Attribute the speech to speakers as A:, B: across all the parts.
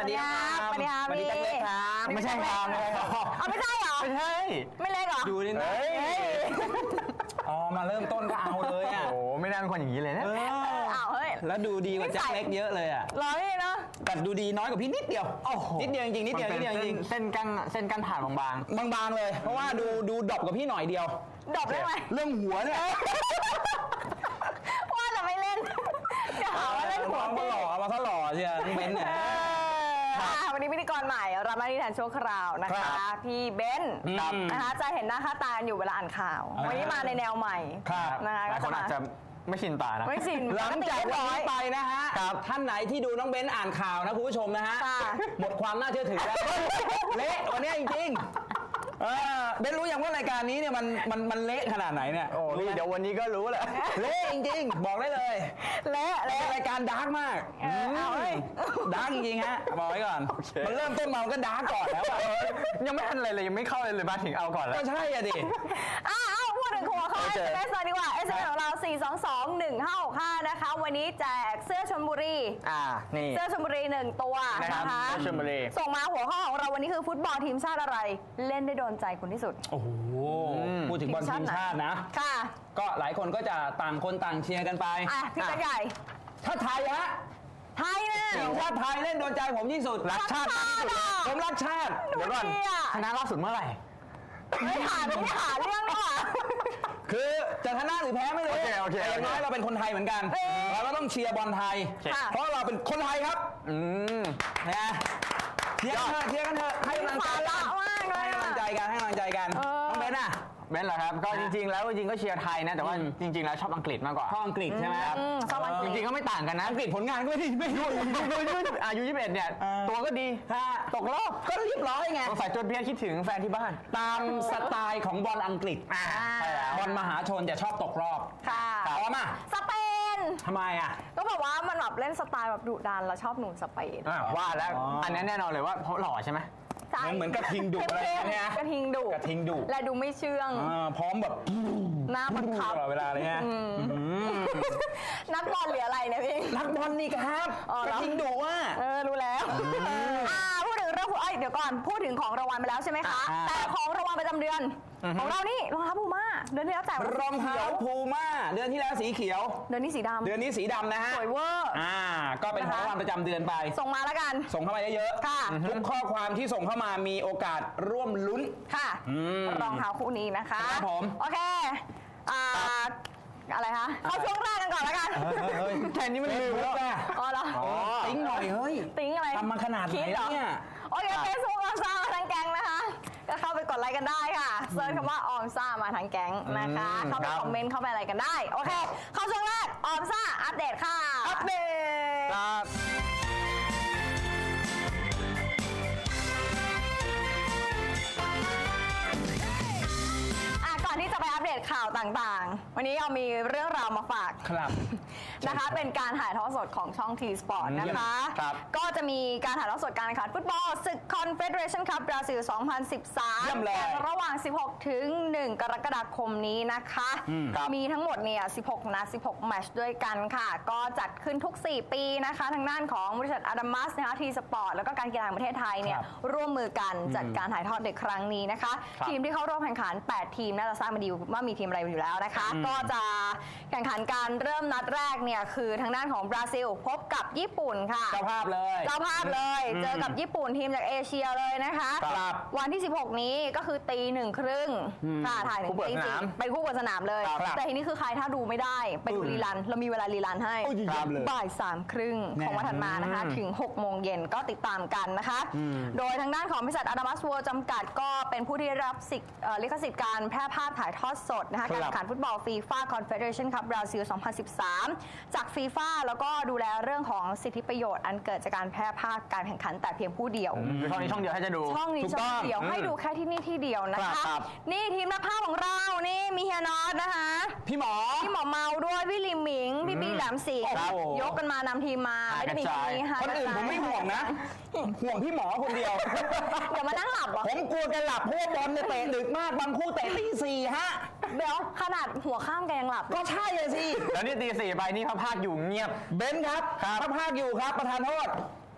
A: ดีครับสวัสดีครับพี่ไม่ใช่ครับไม่ใช่เหรอไม่ใช่ไม่เล็กเหรอดูนี่นะอ๋อมาเริ่มต้นก็เอาเลยอ่ะโอ้ไม่น่าเป็นคนอย่างนี้เลยนะเอาเฮ้ยแล้วดูดีกว่าแจ็คเล็กเยอะเลยอ่ะรอพี่เนาะแต่ดูดีน้อยกว่าพี่นิดเดียวนิดเดียวจริงนิดเดียวจริงเส้นกั้นผ่านบางๆเลยเพราะว่าดูดรอปกับพี่หน่อยเดียวดรอปได้ไหมเรื่องหัวเนี่ยว่าจะไม่เล่นจะหาว่าเล่นหัวมาหล่อมาซะหล่อเชียวน้องเบนเนี่ยวันนี้พิธีกรใหม่รับหน้าที่แทนชั่วคราวนะคะพี่เบนนะคะจะเห็นหน้าค่าตาอยู่เวลาอ่านข่าววันนี้มาในแนวใหม่นะคะก็จะมาไม่ชินตานะไม่ชินหลังจากวันนี้ไปนะฮะท่านไหนที่ดูน้องเบนอ่านข่าวนะคุณผู้ชมนะฮะหมดความน่าเชื่อถือแล้วเละวันนี้จริงเบนรู้ยังว่ารายการนี้เนี่ยมันเละขนาดไหนเนี่ยโอ้เดี๋ยววันนี้ก็รู้แหละเละจริงๆบอกได้เลยเละรายการดาร์กมากดาร์กจริงๆฮะบอกไว้ก่อนมันเริ่มต้นมาก็ดาร์กก่อนแล้วยังไม่ทันอะไรเลยยังไม่เข้าเลยมาถึงเอาก่อนแล้วก็ใช่อะดิพูดถึงหัวข้อ SMS ดีกว่า SMS ของเรา 4221565 นะคะวันนี้แจกเสื้อชลบุรีนี่เสื้อชลบุรี1ตัวนะคะชลบุรีส่งมาหัวข้อของเราวันนี้คือฟุตบอลทีมชาติอะไรเล่นได้โดนใจคุณที่สุดโอ้โหพูดถึงบอลทีมชาตินะค่ะก็หลายคนก็จะต่างคนต่างเชียร์กันไปพี่กระใหญ่ถ้าไทยฮะไทยเนี่ยทีมชาติไทยเล่นโดนใจผมที่สุดรักชาติที่สุดผมรักชาติเดี๋ยวก่อนชนะล่าสุดเมื่อไหร่ไม่หาเรื่องหรอคือจะชนะหรือแพ้ไม่รู้แต่อย่างน้อยเราเป็นคนไทยเหมือนกันเราก็ต้องเชียร์บอลไทยเพราะเราเป็นคนไทยครับนะเชียร์กันเถอะให้กำลังใจกันน้องเบนน่ะเบนเหรอครับก็จริงๆแล้วก็เชียร์ไทยนะแต่ว่าจริงๆแล้วชอบอังกฤษมากกว่าชอบอังกฤษใช่ไหมครับจริงๆก็ไม่ต่างกันนะอังกฤษผลงานก็ไม่ดีอายุ21เนี่ยตัวก็ดีตกรอบก็เรียบร้อยไงสายจนเพี้ยนคิดถึงแฟนที่บ้านตามสไตล์ของบอลอังกฤษบอลมหาชนจะชอบตกรอบค่ะพร้อมอ่ะสเปนทำไมอ่ะก็บอกว่ามันแบบเล่นสไตล์แบบดุดันแล้วชอบหนุ่มสเปนว่าแล้วอันนี้แน่นอนเลยว่าเพราะหล่อใช่ไหมเหมือนกระทิงดุอะไรเนี่ยกระทิงดุและดูไม่เชื่องพร้อมแบบหน้าบังคับตลอดเวลาเลยฮะนักบอลหรืออะไรเนี่ยพี่นักบอลนี่ครับกระทิงดุว่ารู้แล้วพูดถึงเรื่องเดี๋ยวก่อนพูดถึงของรางวัลไปแล้วใช่ไหมคะแต่ของรางวัลประจำเดือนของเรานี่รองเท้าพูม่าเดือนที่แล้วแต่รองเท้าพูม่าเดือนที่แล้วสีเขียวเดือนนี้สีดำนะฮะสวยเวอร์ก็เป็นของรางวัลประจำเดือนไปส่งมาแล้วกันส่งเข้ามาเยอะๆทุกข้อความที่ส่งเข้ามามีโอกาสร่วมลุ้นค่ะรองเท้าคู่นี้นะคะครับผมโอเคอะไรคะเข้าช่วงแรกกันก่อนแล้วกันแค่นี้มันลืมแล้วอ๋อเหรอติ้งหน่อยเฮ้ยติ้งอะไรทำมาขนาดไหนเนี่ยโอเคเฟซบุ๊กออมซ่ามาทั้งแก๊งนะคะก็เข้าไปกดไลค์กันได้ค่ะเซิร์ชคำว่าออมซ่ามาทั้งแก๊งนะคะเข้าไปคอมเมนต์เข้าไปอะไรกันได้โอเคเข้าช่วงแรกออมซ่าอัปเดตค่ะอัปเดตก่อนที่จะไปอัปเดตข่าวต่างๆวันนี้เรามีเรื่องราวมาฝากนะคะเป็นการถ่ายทอดสดของช่อง T Sport นะคะก็จะมีการถ่ายทอดสดการแข่งขันฟุตบอลศึก Confederation Cup บราซิล 2013 ระหว่าง 16 ถึง 1 กรกฎาคมนี้นะคะมีทั้งหมดเนี่ย 16 นัด 16 แมตช์ด้วยกันค่ะก็จัดขึ้นทุก 4 ปีนะคะทางด้านของบริษัทอาดามัสนะคะ T Sport แล้วก็การกีฬาแห่งประเทศไทยเนี่ยร่วมมือกันจัดการถ่ายทอดในครั้งนี้นะคะทีมที่เข้าร่วมแข่งขัน 8 ทีมน่าจะทราบมาดีว่ามีทีมอะไรอยู่แล้วนะคะก็จะแข่งขันการเริ่มนัดแรกเนี่ยคือทางด้านของบราซิลพบกับญี่ปุ่นค่ะเจ้าภาพเลยเจอกับญี่ปุ่นทีมจากเอเชียเลยนะคะวันที่ 16 นี้ก็คือตี 1:30ค่ะถ่ายถึงตี 4เป็นคู่เปิดสนามเลยแต่ทีนี้คือใครถ้าดูไม่ได้ไปดูรีรันเรามีเวลารีรันให้บ่าย 3:30 ของวันถัดมานะคะถึง 6 โมงเย็นก็ติดตามกันนะคะโดยทางด้านของบริษัทอาดามัสเวิลด์จำกัดก็เป็นผู้ที่รับลิขสิทธิ์การแพร่ภาพถ่ายทอดสดนะคะการแข่งขันฟุตบอลฟีฟ่าคอนเฟเดเรชั่นคัพบราซิล 2013 จากฟีฟ่าแล้วก็ดูแลเรื่องของสิทธิประโยชน์อันเกิดจากการแพร่ภาพการแข่งขันแต่เพียงผู้เดียวช่องนี้ช่องเดียวให้จะดูช่องนี้ช่องเดียวให้ดูแค่ที่นี่ที่เดียวนะคะนี่ทีมนักภาพของเรานี่มีเฮียน็อตนะคะพี่หมอเมาด้วยพี่ลิมหมิงพี่บีแหลมสิงห์ยกกันมานำทีมมาไม่ได้มีแค่นี้ค่ะคนอื่นผมไม่ห่วงนะห่วงพี่หมอคนเดียวเดี๋ยวมานั่งหลับผมกลัวแกหลับเพราะว่าบอลเนี่ยเตะดึกมากบางคู่เตะตี 4ฮะเดี๋ยวขนาดหัวข้ามแกยังหลับก็ใช่เลยสิแล้วนี่ตี 4ไปนี่พระภาคอยู่เงียบเบนซ์ครับพระภาคอยู่ครับประธานโทษ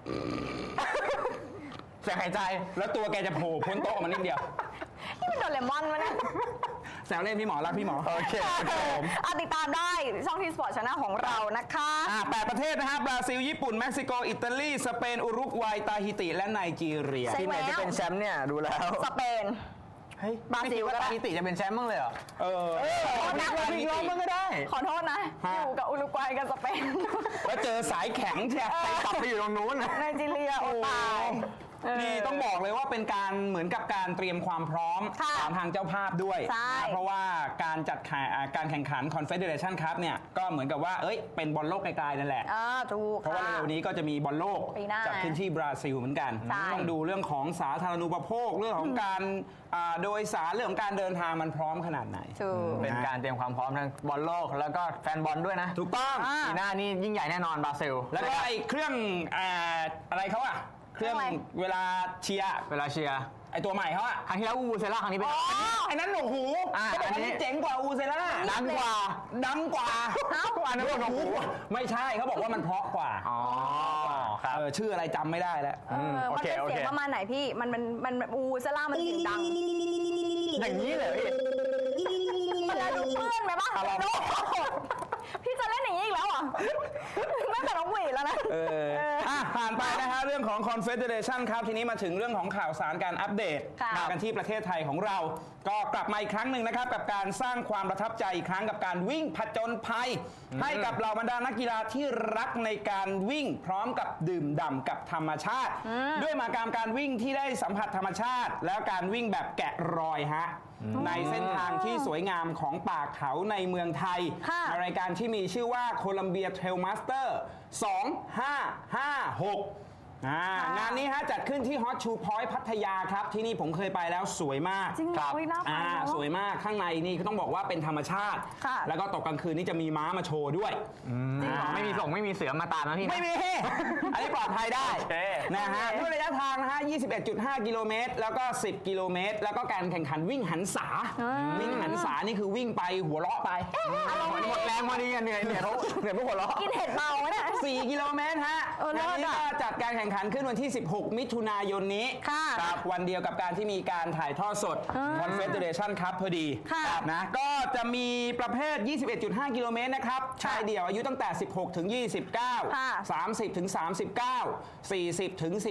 B: เสียงหายใจแล้วตัวแกจะโผล่พ้นโต๊ะมานิดเดียว
A: นี่มันโดเรมอนวะเนี่ย
B: แซวเล่นพี่หมอรักพี่หมอโอเคผม
A: ติดตามได้ช่องทีสปอร์ตชาแนลของเรานะคะ
B: 8ประเทศนะฮะบราซิลญี่ปุ่นเม็กซิโกอิตาลีสเปนอุรุกวัยตาฮิติและไนจีเรีย
C: ที่ไหนจะเป็นแชมป์เนี่ยดูแล้ว
A: สเปนบราซิล
C: ตาฮิติจะเป็นแชมป์บ้างเลยเหรอ
A: นัก
C: วิ่งล้อมมันก็ได้
A: ขอโทษนะอยู่กับอุรุกวัยกับสเปน
B: แล้วเจอสายแข็งใช่
C: ไปกลับไปอยู่ตรงนู้น
A: ไนจีเรียโอ้ตาย
B: นี่ต้องบอกเลยว่าเป็นการเหมือนกับการเตรียมความพร้อมของทางเจ้าภาพด้วยเพราะว่าการจัดการแข่งขัน Confederation Cup เนี่ยก็เหมือนกับว่าเป็นบอลโลกไกลๆนั่นแหละ
A: ถูก
B: เพราะว่าเร็วนี้ก็จะมีบอลโลกจัดขึ้นที่บราซิลเหมือนกันต้องดูเรื่องของสาธารณูปโภคเรื่องของการโดยสารเรื่องของการเดินทางมันพร้อมขนาดไหน
C: เป็นการเตรียมความพร้อมทั้งบอลโลกแล้วก็แฟนบอลด้วยนะ
B: ถูกต้อง
C: ปีหน้านี่ยิ่งใหญ่แน่นอนบราซิล
B: แล้วก็ไอ้เครื่องอะไรเขาอะเครื่องเวลาเชียร์ไอตัวใหม่เขาอะ
C: ครั้งที่แล้วอูเซล่าครั้งนี้เป็น
B: ไอ้นั้นหนวกหูอันนี้เจ๋งกว่าอูเซล่า
C: ดังกว่า
B: อันนั้นหนวกหูไม่ใช่เขาบอกว่ามันเพราะกว่า
C: ครับ
B: ชื่ออะไรจำไม่ได้แล้ว
A: มันเป็นเสียงประมาณไหนพี่มันอูเซล่ามันเสียงดัง
C: อย่างนี้เลย
A: มันจะดูเพื่อนไหมบ้างพี่จะเล่นอย่างนี้อีกแล้วอ่ะไม่แต่น้องหวีแล้วนะ
B: ผ่านไปนะฮะเรื่องของ Confederation ครับทีนี้มาถึงเรื่องของข่าวสารการอัปเดตมากันที่ประเทศไทยของเราก็กลับมาอีกครั้งหนึ่งนะครับกับการสร้างความประทับใจอีกครั้งกับการวิ่งผจญภัยให้กับเหล่าบรรดานักกีฬาที่รักในการวิ่งพร้อมกับดื่มด่ำกับธรรมชาติด้วยมากการวิ่งที่ได้สัมผัสธรรมชาติแล้วการวิ่งแบบแกะรอยฮะในเส้นทางที่สวยงามของป่าเขาในเมืองไทยในรายการที่มีชื่อว่าโคลัมเบียเทรลมาสเตอร์2556งานนี้ฮะจัดขึ้นที่ฮอตชูพอยต์พัทยาครับที่นี่ผมเคยไปแล้วสวยมาก
A: จริงเหรอ
B: สวยมากข้างในนี่ก็ต้องบอกว่าเป็นธรรมชาติแล้วก็ตกกลางคืนนี่จะมีม้ามาโชว์ด้วย
C: ไม่มีเสือมาตามนะพี่
B: ไม่มีอันนี้ปลอดภัยได้นะฮะด้วยระยะทางนะฮะ 21.5 กิโลเมตรแล้วก็10กิโลเมตรแล้วก็การแข่งขันวิ่งหันษานี่คือวิ่งไปหัวเราะไป
C: หมดแรงพอดีเหนื่อยเพราะหัวเราะ
A: กินเห็ดเมาเนี่ย
B: 4กิโลเมตรฮะงานนี้ก็จัดการแข่งขันขึ้นวันที่16มิถุนายนนี้ครับวันเดียวกับการที่มีการถ่ายทอดสด Confederation Cup พอดีนะก็จะมีประเภท 21.5 กิโลเมตรนะครับชายเดี่ยวอายุตั้งแต่16ถึง29 30ถึง39 40ถึง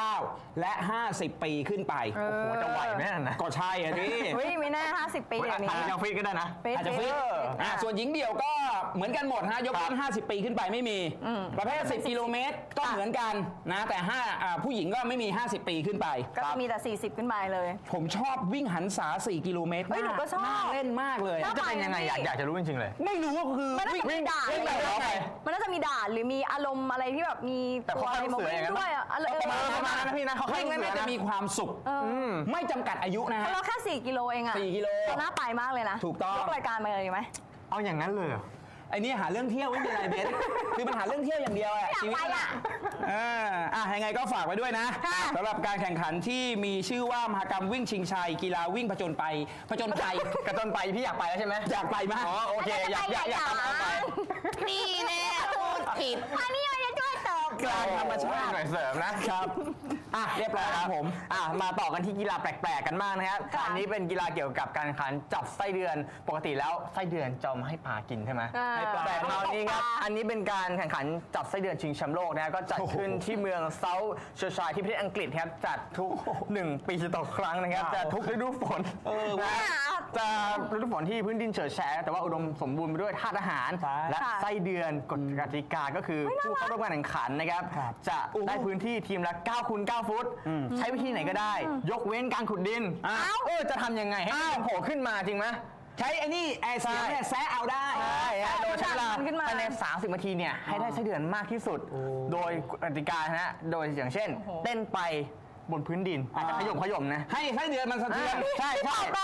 B: 49และ50ปีขึ้นไป
C: โอ้โหจะไหวไหมนะ
B: ก็ใช่อ่ะดิ
A: ไม่แน่50ปีอย่างนี้
C: อาจจะฟิตก็ได้นะ
B: อาจจะฟิตส่วนหญิงเดี่ยวก็เหมือนกันหมดฮะยกเว้น50ปีขึ้นไปไม่มีประเภท10กิโลเมตรก็เหมือนกันนะแต่ผู้หญิงก็ไม่มี50ปีขึ้นไป
A: ก็จะมีแต่40ขึ้นไปเลย
B: ผมชอบวิ่งหันษา4กิโลเมตร
A: หนูก็ชอบ
B: เล่นมากเลย
C: จะเป็นยังไงอยากจะรู้จริงๆเลย
B: ไม่รู้ก็คือ
A: วิ่งด่านมันน่าจะมีด่านหรือมีอารมณ์อะไรที่แบบมี
C: ตัวอะไรมาวิ่งด้วย
B: ประมาณนั้นพี่นะเขาวิ่งแล้วน่าจะมีความสุขไม่จำกัดอายุนะฮะ
A: เราแค่4กิโลเองอ่ะ
B: 4กิโล
A: น่าไปมากเลยนะ
B: ถูกต้อง
A: ยกรายการมาเลยไหม
C: เอาอย่างนั้นเลย
B: ไอ้นี่หาเรื่องเที่ยวไม่มีอะไรเบสคือมันหาเรื่องเที่ยวอย่างเดียวอะ
A: ชีวิต
B: ยังไงก็ฝากไว้ด้วยนะสำหรับการแข่งขันที่มีชื่อว่ามหกรรมวิ่งชิงชัยกีฬาวิ่งผจญภัย
C: กระจนไปพี่อยากไปแล้วใช่ไหม
B: อยากไปมาก
C: โอเคอยากไป
A: นี่แน่พูดผิดอันนี้มันจะช่วยตอบ
B: กลางธรรมชาติ
C: หน่อยเสริมนะครับ
B: เรียบร้อยครับผม
C: มาต่อกันที่กีฬาแปลกๆกันมากนะครับอันนี้เป็นกีฬาเกี่ยวกับการแข่งขันจับไส้เดือนปกติแล้วไส้เดือนจะมาให้ปลากินใช่ไหไหมแต่คราวนี้ครับอันนี้เป็นการแข่งขันจับไส้เดือนชิงแชมป์โลกนะก็จัดขึ้นที่เมืองเซาท์เชอร์ชัยที่ประเทศอังกฤษครับจัดทุก1ปีต่อครั้งนะครับจะทุกฤดูฝนจะฤดูฝนที่พื้นดินเฉอะแฉะแต่ว่าอุดมสมบูรณ์ไปด้วยธาตุอาหารและไส้เดือนกฎกติกาก็คือผู้เข้าร่วมการแข่งขันนะครับจะได้พื้นที่ทีมละ9คูณ9ฟุตใช้วิธีไหนก็ได้ยกเว้นการขุดดินจะทำยังไงให้โผล่ขึ้นมาจริงไหม
B: ใช้ไอ้นี่เสียงเนี่ยแซะเอาได้
C: โดยใช้เวลาภายใน30 นาทีเนี่ยให้ได้ไส้เดือนมากที่สุดโดยกติกานะโดยอย่างเช่นเต้นไปบนพื้นดินอาจจะขย่มนะ
B: ให้ไส้เดือนมันสะเทือน
C: ใช่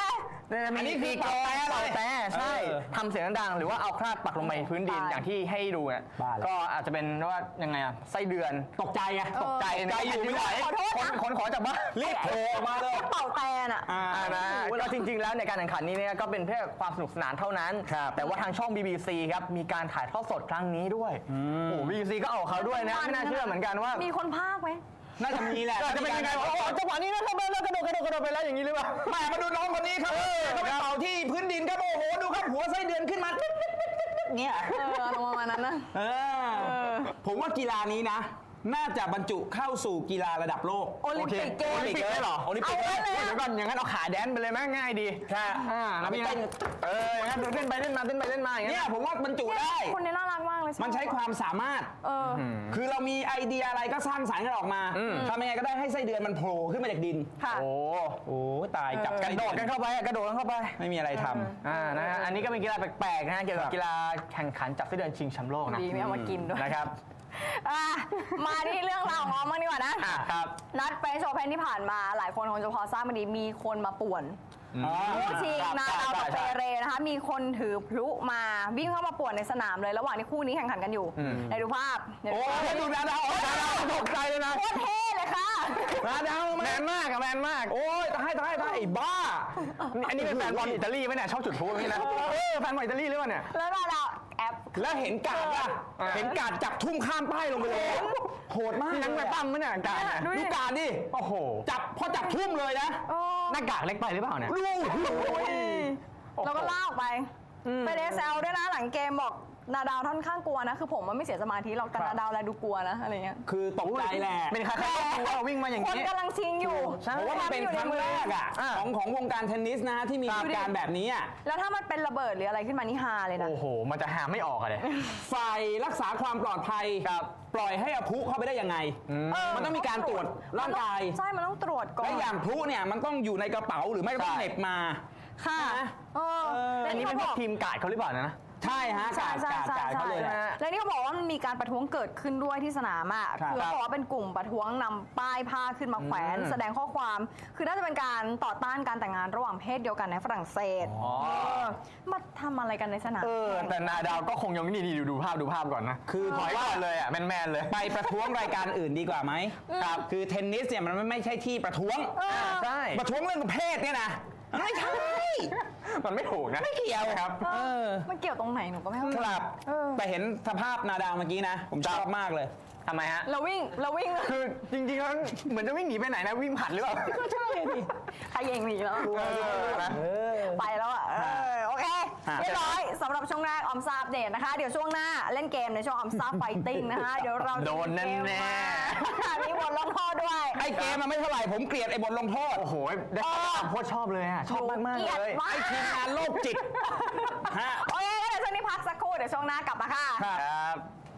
C: อันนี้คือเป่าแต่ใช่ทำเสียงดังหรือว่าเอาคราดปักลงไปพื้นดินอย่างที่ให้ดูเนี่ยก็อาจจะเป็นว่ายังไงอะไส้เดือนตกใจไงตกใจอยู่ไม่ไหวคนขอจากบ้านรีบโผล่มาเลย
A: เป่าแต่น่ะ
C: นะก็จริงๆแล้วในการแข่งขันนี้เนี่ยก็เป็นเพื่อความสนุกสนานเท่านั้นแต่ว่าทางช่อง BBC ครับมีการถ่ายทอดสดครั้งนี้ด้วยโอ้ BBC ก็เอาเขาด้วยนะไม่น่าเชื่อเหมือนกันว่า
A: มีคนพากย์ไหม
B: น่าจะมีแหละ
C: จะเป็นยังไงจังหวะนี้นะครับแล้วกระโดดไปแล้วอย่างนี้หรือเปล่า
B: แม่มาดูน้องคนนี้ครับเขาไปเป่าที่พื้นดินครับโอ้โหดูครับหัวไส้เดือนขึ้นมาเนี่ย
A: ประมาณนั้นนะ
B: ผมว่ากีฬานี้นะน่าจะบรรจุเข้าสู่กีฬาระดับโลก
A: โอลิมปิกเกม
C: เลยเหรอโอลิมปิกเลยเดี๋ยวก่อนอย่างนั้นเอาขาแดนไปเลยไหมง่ายดี
B: ค่ะ
C: แล้วพี่เต้นอย่างนั้นเต้นไปเต้นมาอย่าง
B: นี้ผมว่าบรรจุได้
A: คนนี้น่ารักมากเลย
B: มันใช้ความสามารถคือเรามีไอเดียอะไรก็สร้างสรรค์กันออกมาทำยังไงก็ได้ให้ไส้เดือนมันโผล่ขึ้นมาจากดิน
C: โอ้ตายจับกระโดดกันเข้าไป
B: ไม่มีอะไรทำ
C: นะฮะอันนี้ก็เป็นกีฬาแปลกๆนะฮะเกี่ยวกับกีฬาแข่งขันจับไส้เดือนชิงแชมป์โลกนะ
A: ดีไม่เอามากินด้วย
C: นะครับ
A: มาที่เรื่องราวของมันดีกว่านะครับนัดเฟรนช์โอเพ่นที่ผ่านมาหลายคนคงจะพอทราบมาดีมีคนมาป่วนคู่ชิงนาดาวกับเปเรนะคะมีคนถือพลุมาวิ่งเข้ามาป่วนในสนามเลยระหว่างที่คู่นี้แข่งขันกันอยู่ในดูภาพ
B: โอ้ดูนาดาว
C: ตกใจเลยนะ
A: โคตรเท่เลยค่ะ
C: นาดาวแมนมากโอ้ยตายไอ้บ้าอันนี้เป็นแฟนบอลอิตาลีไหมเนี่ยชอบจุดพลุนี่นะแฟนบอลอิตาลีหรือเปล่าเนี่ย
A: แล้วนาดาวแอป
B: แล้วเห็นกาดจับทุ่มข้ามป้ายลงไปเลยโหดมาก
C: นั่งไปปั้มมั้ยเนี่ยกาด
B: ดูกาดดิ
C: โอ้โห
B: พอจับทุ่มเลยนะ
C: หน้ากากเล็กไปหรือเปล่าเนี่ย
A: เราก็ลากไปไปเดซเซลด้วยนะหลังเกมบอกนาดาวค่อนข้างกลัวนะคือผมมันไม่เสียสมาธิหรอกแต่นาดาวแลดูกลัวนะอะไรเงี้ย
B: คือตกใจแหละ
C: เป็นใครๆกลัววิ่งมาอย่างนี้
A: คนกำลังชิงอยู่
B: เพราะว่ามันเป็นครั้งแรกของวงการเทนนิสนะที่มีเหตุการณ์แบบนี้
A: แล้วถ้ามันเป็นระเบิดหรืออะไรขึ้นมานี่ฮาเลยนะ
C: โอ้โหมันจะหาไม่ออกเลย
B: ฝ่ายรักษาความปลอดภัยปล่อยให้เอาพลุเข้าไปได้ยังไงมันต้องมีการตรวจร่างกาย
A: ใช่มันต้องตรวจก่อน
B: และอย่างพลุเนี่ยมันต้องอยู่ในกระเป๋าหรือไม่ก็ต้องเหน็บมา
A: ค่ะ
C: อันนี้เป็นพวกทีมกาดเขาหรือเปล่านะ
B: ใช่ฮะกาดเขาเลย
A: แล้วนี่เขาบอกว่ามันมีการประท้วงเกิดขึ้นด้วยที่สนามคือเขาบอกว่าเป็นกลุ่มประท้วงนำป้ายผ้าขึ้นมาแขวนแสดงข้อความคือน่าจะเป็นการต่อต้านการแต่งงานระหว่างเพศเดียวกันในฝรั่งเศสมาทำอะไรกันในสนาม
C: แต่นาดาวก็คงยังนี่ดูภาพก่อนนะคือถอยก่อนเลยแมนเลย
B: ไปประท้วงรายการอื่นดีกว่าไหมครับคือเทนนิสเนี่ยมันไม่ใช่ที่ประท้วง
C: ใช่
B: ประท้วงเรื่องเพศเนี่ยนะไม่ใช่
C: มันไม่ถูกนะ
B: ไม่เกี่ยว
C: ครับ
A: มันเกี่ยวตรงไหนหนูก็ไม่เข้าใจ
B: ครับแต่เห็นสภาพนาดาวเมื่อกี้นะผมชอบมากเลย
C: ทำไมฮะ
A: เราวิ่ง
C: คือจริงๆแล้วเหมือนจะวิ่งหนีไปไหนนะวิ่งผ่านหรือเปล่า
B: ก็ใช่ดิ
A: ใครเองหนีแล้วไปแล้วโอเคเรียบร้อยสำหรับช่วงแรกออมซ่าอัปเดตนะคะเดี๋ยวช่วงหน้าเล่นเกมในช่วงออมซ่าไฟติ้งนะคะเดี๋ยวเรา
C: โดนแน่
A: มีบทลงโทษด้วย
B: ไอ้เกมมันไม่เท่าไหร่ผมเกลียดไอ้บทลงโทษ
C: โอ้โหได้โคตรชอบเลยชอบมากเลย
B: ไอ้ทีมงานโรคจิต
A: โอเคเดี๋ยวช่วงนี้พักสักครู่เดี๋ยวช่วงหน้ากลับมาค่ะ
C: ครับ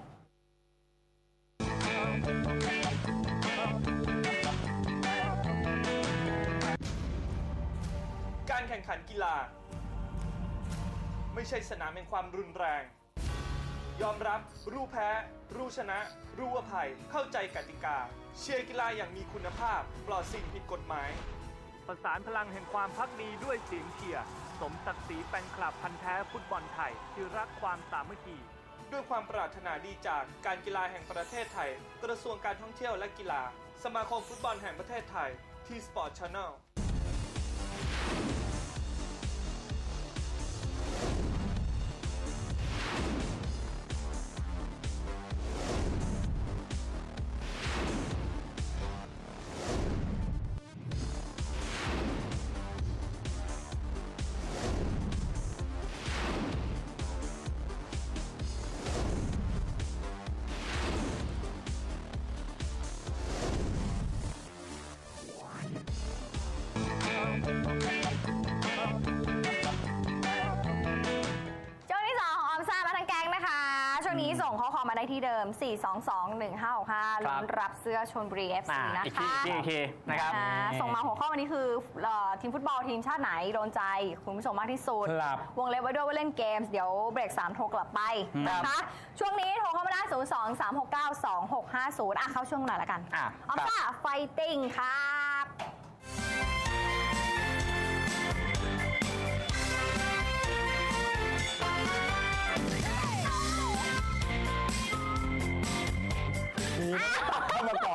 D: การแข่งขันกีฬาไม่ใช่สนามแห่งความรุนแรงยอมรับรู้แพ้รู้ชนะรู้อภัยเข้าใจกติกาเชียร์กีฬาอย่างมีคุณภาพปลอดสิ่งผิดกฎหมายประสานพลังแห่งความภักดีด้วยเสียงเชียร์สมศักดิ์ศรีแฟนคลับพันธุ์แท้ฟุตบอลไทยที่รักความสามัคคีด้วยความปรารถนาดีจากการกีฬาแห่งประเทศไทยกระทรวงการท่องเที่ยวและกีฬาสมาคมฟุตบอลแห่งประเทศไทยที่สปอร์ตชาแนล
A: ส่งข้อความมาได้ที่เดิม 4221565 ลุ้นรับเสื้อชลบุรี FC นะคะ
C: อีกทีนะครับ
A: ส่งมาหัวข้อวันนี้คือทีมฟุตบอลทีมชาติไหนโดนใจคุณผู้ชมมากที่สุดวงเล็บไว้ด้วยว่าเล่นเกมเดี๋ยวเบรก3โทรกลับไปนะคะช่วงนี้โทรเข้ามาได้ 023692650 เข้าช่วงหน่อยละกันออมซ่าไฟติ้งครับ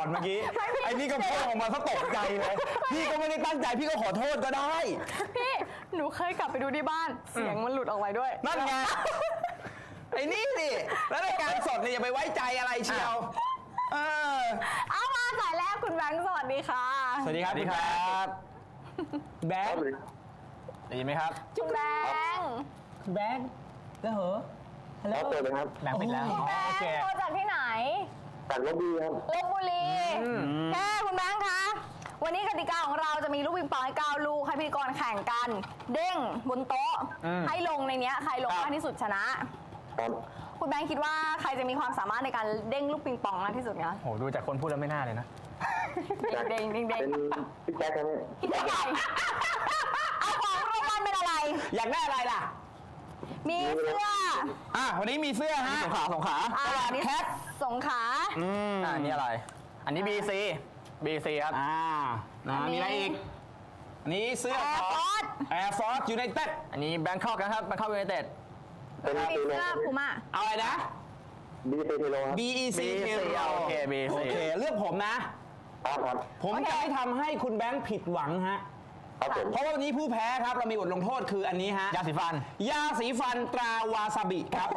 B: เมื่อกี้ไอ้นี่ก็พูดออกมาซะตกใจเลยพี่ก็ไม่ได้ตั้งใจพี่ก็ขอโทษก็ได้
A: พี่หนูเคยกลับไปดูที่บ้านเสียงมันหลุดออกไปด้วย
B: นั่นไงไอ้นี่สิแล้วรายการสดเนี่ยอย่าไปไว้ใจอะไรเชียว
A: เอามาสายแรกคุณแบงค์สวัสดีค่ะ
B: สวัสดีครับคุณแบงค์แบงค์
C: ได้ยินไหมครับ
A: คุณแบงค์
B: คุณแบงค์แล้วเหรอ
E: ฮัลโหลเปิดเลยครับ
B: แบงค์ปิดแล้ว
A: โอเคโทรจากที่ไหน
E: จากลพบุรีครับ
A: ลพบุรีแค่คุณแบงค์คะวันนี้กติกาของเราจะมีลูกปิงปองให้9 ลูกให้พิธีกรแข่งกันเด้งบนโต๊ะให้ลงในนี้ใครลงมากที่สุดชนะครับคุณแบงค์คิดว่าใครจะมีความสามารถในการเด้งลูกปิงปองมากที่สุดคะ
C: โหดูจากคนพูดแล้วไม่น่าเลยนะ
A: เด้ง
E: เป็นพี่แจ๊คครับ
A: พี่แจ๊คใหญ่เอาของรางวัลเป็นอะไร
B: อยากได้อะไรล่ะ
A: มีเสื้อ
B: วันนี้มีเสื้อฮะ
C: สงขลา
A: ตลาดแคทสงขลา
C: อันนี้อะไรอันนี้ BC ครับ
B: มีอะไรอีกนี่เสื้อ Air Force United
C: อันนี้ Bangkok นะครับ Bangkok United
A: เป็นเสื้อพูม่า
B: เอาอะไรนะ
E: BEC เทโลครับ
B: BEC เทโล
C: โอเค BEC
B: โอเคเลือกผมนะผมจะไม่ทำให้คุณแบงค์ผิดหวังฮะเพราะว่าวันนี้ผู้แพ้ครับเรามีบทลงโทษคืออันนี้ฮะ
C: ยาสี
B: ฟันตราวาซาบิครับ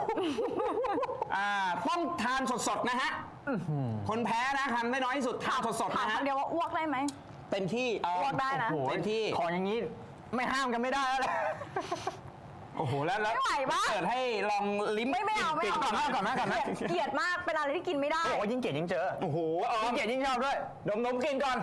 B: ต้องทานสดๆนะฮะคนแพ้นะทำได้น้อยที่สุดทานสดๆนะฮะ
A: เดี๋ยวว่าอ้วกได้ไหม
B: เต็มที่
A: อ้วกได้นะ
B: เต็มที่
C: ของอย่างนี้ไม่ห้ามกันไม่ได้แล้ว
B: โอ้โหแล้ว
A: ไม่ไหวปะ
B: เปิดให้ลองลิ้ม
A: ไม่เอา
B: ก่อนนะ
A: เกลียดมากเป็นอะไรที่กินไม่ได้
C: โอ้ยิ่งเกลียดยิ่งเจอ
B: โอ้โห
C: ยิ่งเกลียดยิ่งชอบด้วย
B: ดมกินก่อน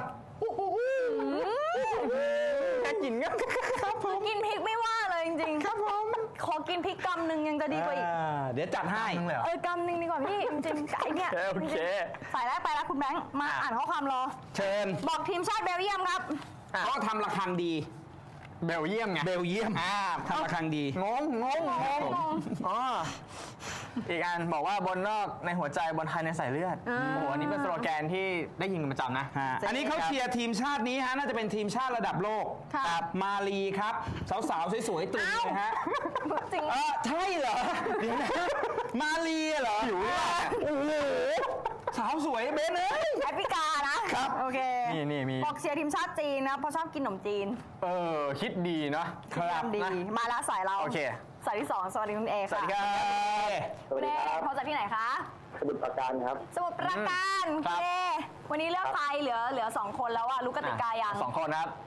C: แค่กินก็
A: ครับผมกินพริกไม่ว่าเลยจริงๆครับผมขอกินพริกกำหนึ่งยังจะดีกว่าอีก
B: เดี๋ยวจัดให้
A: กำหนึ่งดีกว่าพี่จริงๆไก่เนี่ยสายแรกไปแล้วคุณแบงค์มาอ่านข้อความรอ
B: เชิญ
A: บอกทีมชาติเบลเยียมครับ
B: เขาทำระฆังดี
C: เบลเยียมไง
B: เบลเยียมทำระฆังดี
C: งงอีกอันบอกว่าบนนอกในหัวใจบนไทยในสายเลือดโอ้โหอันนี้เป็นสโลแกนที่ได้ยินกันประจำนะ
B: อันนี้เขาเชียร์ทีมชาตินี้ฮะน่าจะเป็นทีมชาติระดับโลกมาลีครับสาวๆสวยๆตึงเลยฮะ
A: จริง
B: ใช่เหรอมาลีเหรอ
C: อยู่
B: โอ้โหสาวสวยเบนเลย
A: แอฟริกานะครับโอเค
C: นี่มี
A: บอกเชียร์ทีมชาติจีนนะเพราะชอบกินขนมจีน
C: คิดดีนะครับ
A: ดีมาแล้วสายเรา
C: โอเค
A: สายที่2สวัสดีคุณเอค่ะ
C: สวัสดีครับ
A: คุณเอโทรจากที่ไหนคะ
E: สมุทรปราการครับ
A: สมุทรปราการเอวันนี้เลือกใครเหลือ2 คนแล้วอะรู้กติกายัง
C: 2 คนครับ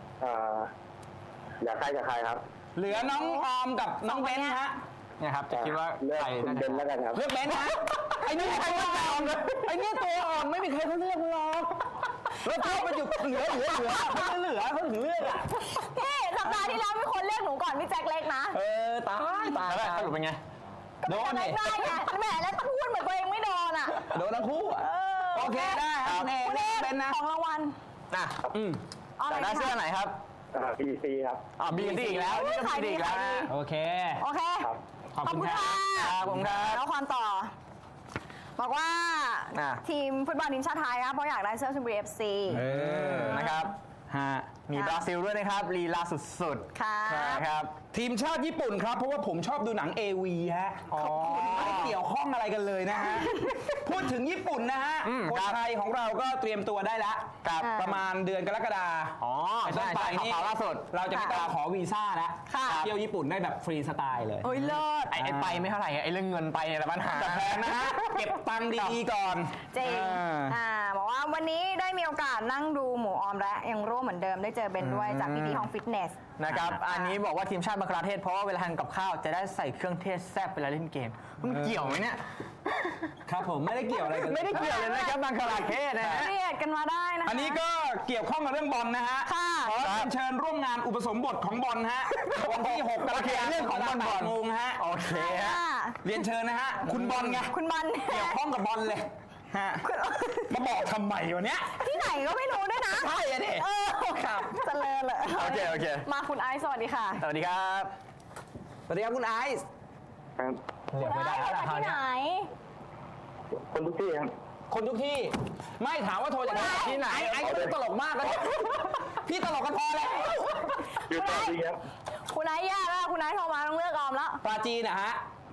E: อยากใครกับใครครับ
B: เหลือน้องออมกับน้องเบนฮะ
C: เนี่ยครับจะคิดว่า
E: ใครน่าจะเบนแล้วกันครับ
B: เลือกเบนฮะไอ้นี่ใครว่าออมเลยไอ้นี่ตัวอ่อนไม่มีใครเขาเลือกหรอกแล้วเท่ามันอยู่เหลือเขาถึงเลือกอ่ะ
A: พี่สัปดาห์ที่แล้วมีคนเลือกหนูก่อนพี่แจ็คเล็กนะ
B: ตาย
C: สรุปเป็นไง
B: โดน
A: ได้ไงแหมแล้วพูดเหมือนตัวเองไม่โดนอ่ะ
B: โดนทั้งคู่โอเคได้ครับ
A: คุณเอเป็นนะของรางวัล
C: ได้เสื้อไหนครับ
E: BC ครับ
C: BC อีกแล้วนี่ก็ BC อีกแล้ว
B: โอเค
A: ขอบคุณค่ะแล้วความต่อบอกว่าทีมฟุตบอลทีมชาติไทยครับเพราะอยากได้เสื้อชลบุรี FC
C: นะครับมีบราซิลด้วยนะครับลีลาสุด
A: ๆ
C: ครับ
B: ทีมชาติญี่ปุ่นครับเพราะว่าผมชอบดูหนัง AV ฮะไม่ได้เกี่ยวข้องอะไรกันเลยนะฮะพูดถึงญี่ปุ่นนะฮะคนไทยของเราก็เตรียมตัวได้แล้วประมาณเดือนกรกฎาคม
C: ใช่
B: นี่
C: ล่าสุด
B: เราจะไปขอวีซ่าแล้วเที่ยวญี่ปุ่นได้แบบฟรีสไตล์เลย
A: โอ้ยเลิศ
C: ไอ้ไปไม่เท่าไหร่ไอ้เรื่องเงินไปเนี่ยแหละปัญหา
B: แต่แพงนะฮะเก็บตังค์ดีๆก่อน
A: จริงบอกว่าวันนี้ได้มีโอกาสนั่งดูหมูออมและยังร่วมเหมือนเดิมได้เจอเบนด้วยจากพี่ๆห้องฟิตเนส
C: นะครับอันนี้บอกว่าทีมชาติบังกลาเทศเพราะว่าเวลาทานกับข้าวจะได้ใส่เครื่องเทศแซ่บเวลาเล่นเกมมันเกี่ยวไหมเนี่ย
B: ครับผมไม่ได้เกี่ยวอะไรกัน
C: ไม่ได้เกี่ยวเลยนะครับบังกลาเทศนะฮะ
A: เรียกกันมาได้นะ
B: อันนี้ก็เกี่ยวข้องกับเรื่องบอลนะฮะขอเชิญร่วมงานอุปสมบทของบอลฮะวันที่6 กรกฎาคม
C: เรื่องของบอล
B: 8 โมงฮะ
C: โอเคฮะ
B: เรียนเชิญนะฮะคุณบอลไง
A: คุณบอล
B: เกี่ยวข้องกับบอลเลยมาบอกทำไมวะเนี้ย
A: ที่ไหนก็ไม่รู้ด้วยนะ
B: ใช่อะดิ
A: ครับเจริญเลย
C: โอเค
A: มาคุณไอซ์สวัสดีค่ะ
C: สวัสดีครับ
B: คุณไอซ์
A: คุณไอซ์มาที่ไหน
E: คนทุกที่ครับ
B: คนทุกที่ไม่ถามว่าโทรจากที่ไหนไอ้ก็ตลกมากเลยพี่ตลกกันพอแล้ว
E: อยู่ปราจีนครับ
A: คุณไอซ์แย่แล้วคุณไอซ์โทรมาต้องเลือกออมแล้ว
B: ปราจีนนะฮะ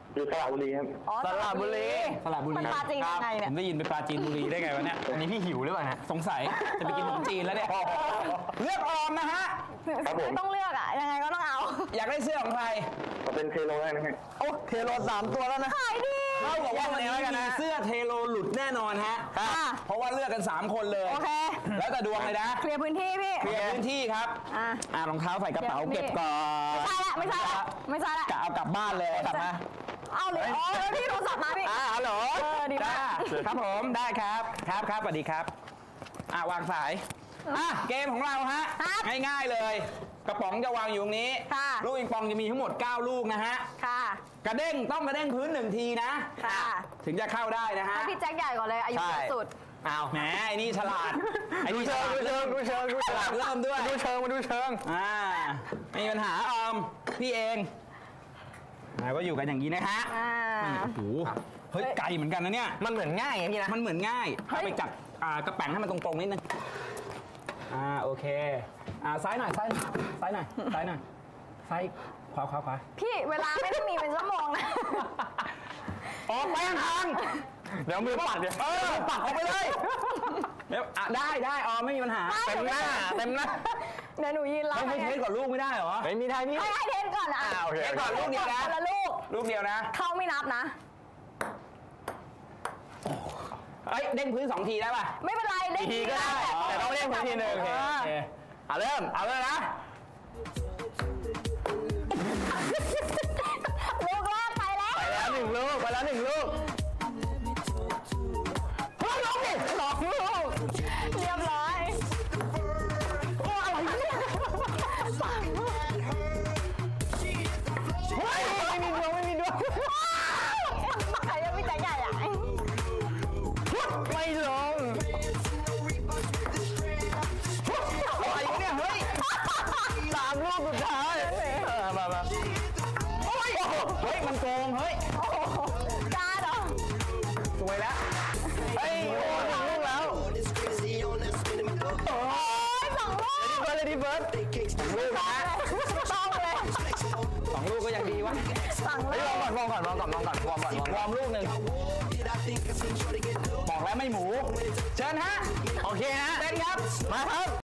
E: อยู่สระบุรีครับ
A: อ๋อ
C: สระบุรี
B: สระบุรี
A: มันปลาจริงยังไง
B: ผ
A: เนี่ย
B: มได้ยินไปปลาจีนบุรีได้ไงวะเนี่ย
C: อันนี้พี่หิวหรือเปล่าฮะ
B: สงสัยจะไปกินขนมจีนแล้วเนี่ยเลือกออมนะฮะ
E: ครับผม
A: ต้องเลือกอ่ะ ยังไงก็ต้องเอา
B: อยากได้เสื้อของใคร
E: เขาเป็นเทโลได้นะฮะ
C: โอ้เทโล3 ตัวแล้วนะ
A: ขายดี
B: เท่ากับว่าวันนี้มีเสื้อเทโลหลุดแน่นอนฮะ
A: ค่ะ
B: เพราะว่าเลือกกัน 3 คนเลย
A: โอเค
B: แล้วแต่ดวงเลยนะ
A: เคลียร์พื้นที่พี่
B: เคลียร์พื้นที่ครับ
A: อ่ะ
B: รองเท้าใส่กระเป๋าเก็บก่อน
A: ไม่ใช่ละไม่ใช่ละไม่ใช่ละ
B: กะเอากลับบ้านเลยกลับมา
A: เอาเลยอ๋อแล้วพี่โทรศัพท์มาพี่
B: ฮัลโหล
A: ดีมาก
B: ครับผมได้ครับครับสวัสดีครับวางสายเกมของเราฮะ
A: ครับ
B: ง่ายๆเลย กระป๋องจะวางอยู่ตรงนี้
A: ค่ะ
B: ลูกปิงปองจะมีทั้งหมด9 ลูกนะฮะ
A: ค่ะ
B: กระเด้งต้องกระเด้งพื้น1 ทีนะ
A: ค่ะ
B: ถึงจะเข้าได้นะฮะ
A: ให้พี่แจ็คใหญ่ก่อนเลยอายุเยอะสุด
B: อ้าวแหมไอ้นี่ฉลาดไอ้
C: ดู
B: นี่ฉ
C: เชิง
B: ลาด
C: ดูเชิงดูเชิงดู
B: ฉ
C: เชิ
B: ลาง ดเริ่มด้วย
C: ดูเชิงมาดูเชิง
B: ไม่มีปัญหาออมพี่เองก็อยู่กันอย่างนี้นะฮะ โอ้โหเฮ้ยไกลเหมือนกันนะเนี่ย
C: มันเหมือนง่ายไงพี่นะ
B: มันเหมือนง่าย
A: เฮ้ย
B: เอาไปจับกระแป๋งให้มันตรงๆนิดนึงโอเคซ้ายหน่อยซ้ายหน่อยซ้ายหน่อยซ้ายหน่อยซ้ายขวา
A: พี่เวลาไม่ได้มีเป็นชั่วโมงนะ
B: ออกไปห่าง
C: เดี๋ยวมือปัดเดี๋ยว
B: ปักออกไปเลยเดี๋ยวได้ออมไม่มีปัญหา
C: เต็มหน้าเต็มหน้า
A: เดี๋ยวหนูยืนรับ
B: ให้เทสก่อนลูกไม่ได้เหรอ
C: ไม่มีทางนี้
A: ให้เทนก่อนนะ
C: โอเค
B: เทสก่อนลูกเดียวนะ
A: คนละลูก
B: ลูกเดียวนะ
A: เข้าไม่นับนะ
B: เอ้ยเด้งพื้น2 ทีได้ป่ะ
A: ไม่เป็นไรได้
C: ทีก็ได้แต่ต้องเล่นพื้นที่หนึ่ง
B: โอเค
C: เอาเริ่มนะ
A: ลูกแรกไปแล้ว
C: ไปแล้ว1 ลูกไปแล้ว1 ลูก
A: เฮ้ยลงดิสองลูกเรียบร้อยโอ้อะไรเนี่ยสามลูก
C: เฮ้ยไม่มีดวง
A: ใครยังไม่ใจใหญ่อ่ะ
C: ไม่ลงอะไรเนี่ยเฮ้ย3 ลูกสุดท้ายมา
B: เฮ้ยมันโกงเฮ้ย
A: โอ้โหกล้าเหรอ
B: สวยแล้ว
C: เฮ้ยโอ้1 ลูกแล้ว
A: โอ้ยสองลูก
C: เลดี้เบิร์ด
B: ลูกนะ
A: ต้องเลย
B: 2 ลูกก็ยังดีวะ
A: สั่งเล
C: เฮ้ย
A: ย
C: วอร์มก่อนวอร์มก่อน
B: วอร์มลูกหนึ่งบอกแล้วไม่หมู เชิญฮะ
C: โอเคฮะ
B: เต้นครับ
C: มาครับ